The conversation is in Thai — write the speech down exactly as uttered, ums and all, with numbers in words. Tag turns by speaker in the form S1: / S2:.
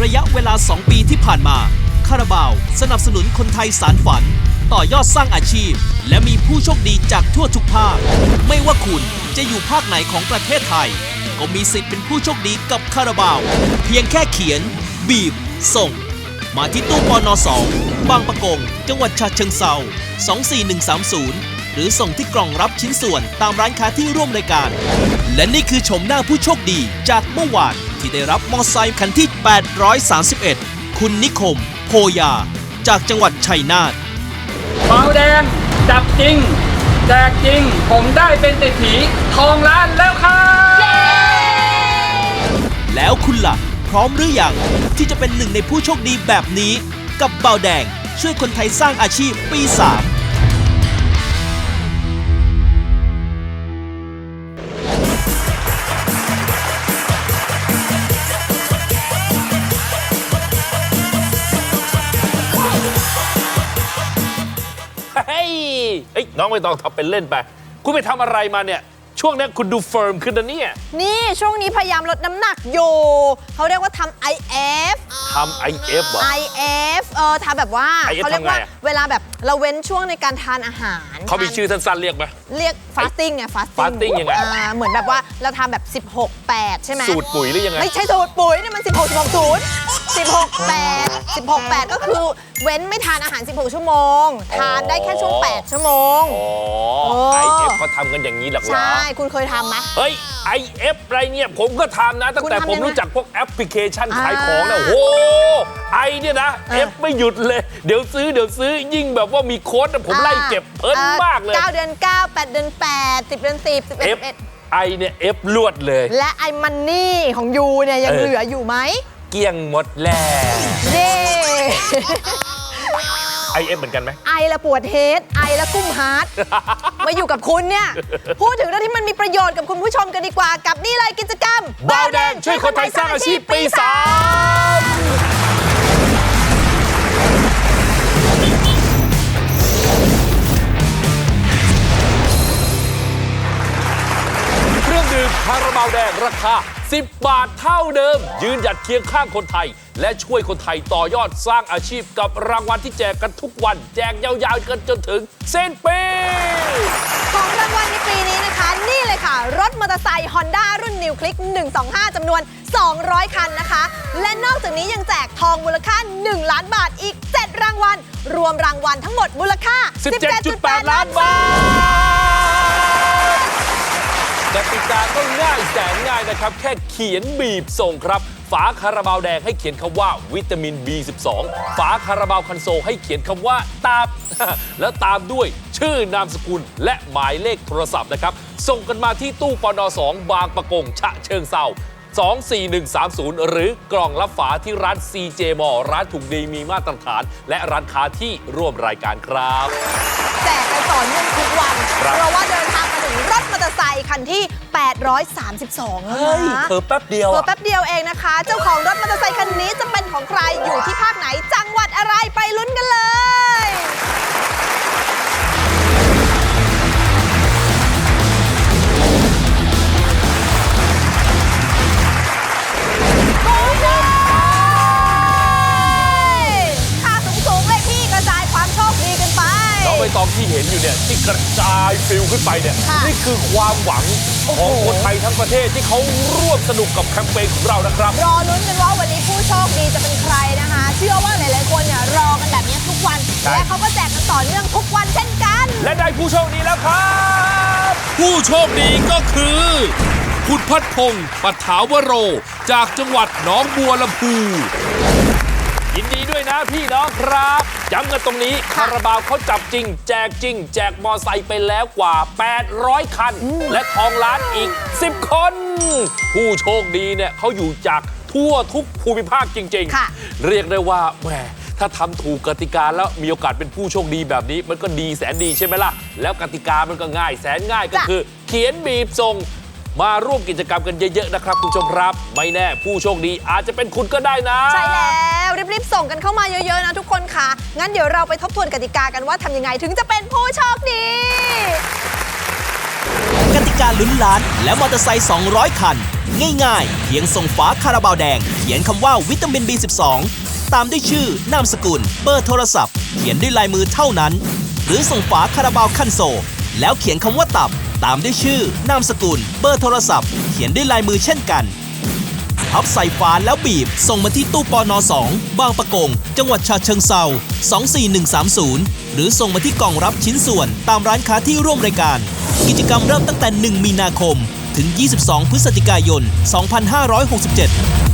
S1: ระยะเวลาสองปีที่ผ่านมาคาราบาวสนับสนุนคนไทยสานฝันต่อยอดสร้างอาชีพและมีผู้โชคดีจากทั่วทุกภาคไม่ว่าคุณจะอยู่ภาคไหนของประเทศไทยก็มีสิทธิ์เป็นผู้โชคดีกับคาราบาวเพียงแค่เขียนบีบส่งมาที่ตู้ปนสองบางปะกงจังหวัดฉะเชิงเทราสองสี่หนึ่งสามศูนย์หรือส่งที่กล่องรับชิ้นส่วนตามร้านค้าที่ร่วมรายการและนี่คือชมหน้าผู้โชคดีจากเมื่อวานที่ได้รับมอเตอร์ไซค์คันที่แปดร้อยสามสิบเอ็ดคุณนิคมโพยาจากจังหวัดชัยนาท
S2: เบาแดงจับจริงแจกจริงผมได้เป็นเศรษฐีทองล้านแล้วครับ
S1: แล้วคุณล่ะพร้อมหรือยังที่จะเป็นหนึ่งในผู้โชคดีแบบนี้กับเบาแดงช่วยคนไทยสร้างอาชีพปีสาม
S3: เฮ้ยน้องไม่ต้องทำเป็นเล่นไปคุณไปทำอะไรมาเนี่ยช่วงนี้คุณดูเฟิร์มขึ้นนะเนี่ย
S4: นี่ช่วงนี้พยายามลดน้ำหนักอยู่เขาเรียกว่าทำ ไอ เอฟ
S3: ทำ ไอ เอฟ เหรอ
S4: ไอ เอฟ เออทำแบบว่าเขาเรียกว่าเวลาแบบเราเว้นช่วงในการทานอาหาร
S3: เขามีชื่อสั้นๆเรียกไหม
S4: เรียก fasting ไง fasting
S3: fasting ยังไง
S4: เหมือนแบบว่าเราทำแบบสิบหก แปดใช่ไหม
S3: สูตรปุ๋ยหรือยังไง
S4: ไม่ใช่สูตรปุ๋ยนี่มันสิบหก สิบหก ศูนย์ สิบหก แปด สิบหก แปดก็คือเว้นไม่ทานอาหารสิบหกชั่วโมงทานได้แค่ช่วงแปดชั่วโมง
S3: อ๋อ ไอ เอฟ เขาทำกันอย่างนี้หรอ
S4: ใช่คุณเคยทำไหม
S3: เฮ้ย ไอ เอฟ อะไรเนี่ยผมก็ทำนะตั้งแต่ผมรู้จักพวกแอปพลิเคชันขายของนะโอ้ไอเนี่ยนะเอฟไม่หยุดเลยเดี๋ยวซื้อเดี๋ยวซื้อยิ่งแบบว่ามีโค้ดผมไล่เก็บเพลินมากเลย
S4: เก้าเดือนเก้า แปดเดือนแปด สิบเดือนสิบ สิบเอ็ด สิบเอ็ด
S3: ไอเนี่ยเอฟลวดเลย
S4: และไอมันนี่ของยูเนี่ยยังเหลืออยู่ไหม
S3: เกี้ยงหมดแล้ว
S4: เย้
S3: ไอเอฟเหมือนกันไหม
S4: ไอละปวดเฮดไอละกุ้มฮาร์ดมาอยู่กับคุณเนี่ยพูดถึงเรื่องที่มันมีประโยชน์กับคุณผู้ชมกันดีกว่ากับนี่เลยกิจกรรม
S3: เบาแดงช่วยคนไทยสร้างอาชีพปีสามเครื่องดื่มคาราบาวแดงราคาสิบบาทเท่าเดิมยืนหยัดเคียงข้างคนไทยและช่วยคนไทยต่อยอดสร้างอาชีพกับรางวัลที่แจกกันทุกวันแจกยาวๆกันจนถึงสิ้นปี
S4: ของรางวัลในปีนี้นะคะนี่เลยค่ะรถมอเตอร์ไซค์ Honda รุ่น New Click หนึ่งสองห้าจำนวนสองร้อยคันนะคะและนอกจากนี้ยังแจกทองมูลค่าหนึ่งล้านบาทอีกเจ็ดรางวัลรวมรางวัลทั้งหมดมูลค่า
S3: สิบเจ็ดจุดแปด ล้านบาทกติกาก็ง่ายแสนง่ายนะครับแค่เขียนบีบส่งครับฝาคาราบาวแดงให้เขียนคำว่าวิตามิน บี สิบสอง ฝาคาราบาวคันโซลให้เขียนคำว่าตับ แล้วตามด้วยชื่อนามสกุลและหมายเลขโทรศัพท์นะครับส่งกันมาที่ตู้ปนสองบางปะกงฉะเชิงเทราสองสี่หนึ่งสามศูนย์หรือกล่องรับฝาที่ร้าน ซี เจ Mall ร้านถูกดีมีมาตรฐานและร้านค้าที่ร่วมรายการครับ
S4: แจกกันต่อเนื่องทุกวันเพราะว่าเดินทางมาถึงรถมอเตอร์ไซค์คันที่แปดร้อยสามสิบสองแล้วนะ
S3: เพิ่มแป๊บเดียว
S4: เพิ่มแป๊บเดียวเองนะคะเจ้าของรถมอเตอร์ไซค์คันนี้จะเป็นของใครอยู่ที่ภาคไหนจังหวัดอะไรไปลุ้นกันเลย
S3: ใบตองที่เห็นอยู่เนี่ยที่กระจายฟิลขึ้นไปเนี่ยนี่คือความหวังของคนไทยทั้งประเทศที่เขาร่วมสนุกกับแคมเปญของเรานะครับ
S4: รอลุ้นกันว่าวันนี้ผู้โชคดีจะเป็นใครนะคะเชื่อว่าหลายๆคนเนี่ยรอกันแบบนี้ทุกวันและเขาก็แจกกันต่อเนื่องทุกวันเช่นกัน
S3: และได้ผู้โชคดีแล้วครับผู้โชคดีก็คือคุณพัฒพงศ์ปัฏฐาวโรจากจังหวัดหนองบัวลำพูยินดีด้วยนะพี่น้องครับย้ำกันตรงนี้คาราบาวเขาจับจริงแจกจริงแจกมอไซค์ไปแล้วกว่าแปดร้อยคันและทองล้านอีกสิบคนผู้โชคดีเนี่ยเขาอยู่จากทั่วทุกภูมิภาคจริงๆเรียกได้ว่าแหมถ้าทำถูกกติกาแล้วมีโอกาสเป็นผู้โชคดีแบบนี้มันก็ดีแสนดีใช่ไหมล่ะแล้วกติกามันก็ง่ายแสนง่ายก็คือเขียนบีบส่งมาร่วมกิจกรรมกันเยอะๆนะครับคุณผู้ชมครับไม่แน่ผู้โชคดีอาจจะเป็นคุณก็ได้นะ
S4: ใช่แล้วรีบๆส่งกันเข้ามาเยอะๆนะทุกคนค่ะงั้นเดี๋ยวเราไปทบทวนกติกากันว่าทำยังไงถึงจะเป็นผู้โชคดี
S1: กติกาลุ้นล้านและมอเตอร์ไซค์ สองร้อย คัน ง่ายๆ เพียงส่งฝาคาราบาวแดงเขียนคำว่าวิตามิน บี สิบสอง ตามด้วยชื่อนามสกุลเบอร์โทรศัพท์เขียนด้วยลายมือเท่านั้น หรือส่งฝาคาราบาวคันโซลแล้วเขียนคำว่าตับตามด้วยชื่อนามสกุลเบอร์โทรศัพท์เขียนด้วยลายมือเช่นกันพับใส่ฝาแล้วบีบส่งมาที่ตู้ปนสองบางปะกงจังหวัดฉะเชิงเทราสองสี่หนึ่งสามศูนย์หรือส่งมาที่กล่องรับชิ้นส่วนตามร้านค้าที่ร่วมรายการกิจกรรมเริ่มตั้งแต่หนึ่งมีนาคมถึงยี่สิบสองพฤศจิกายนสองพันห้าร้อยหกสิบเจ็ด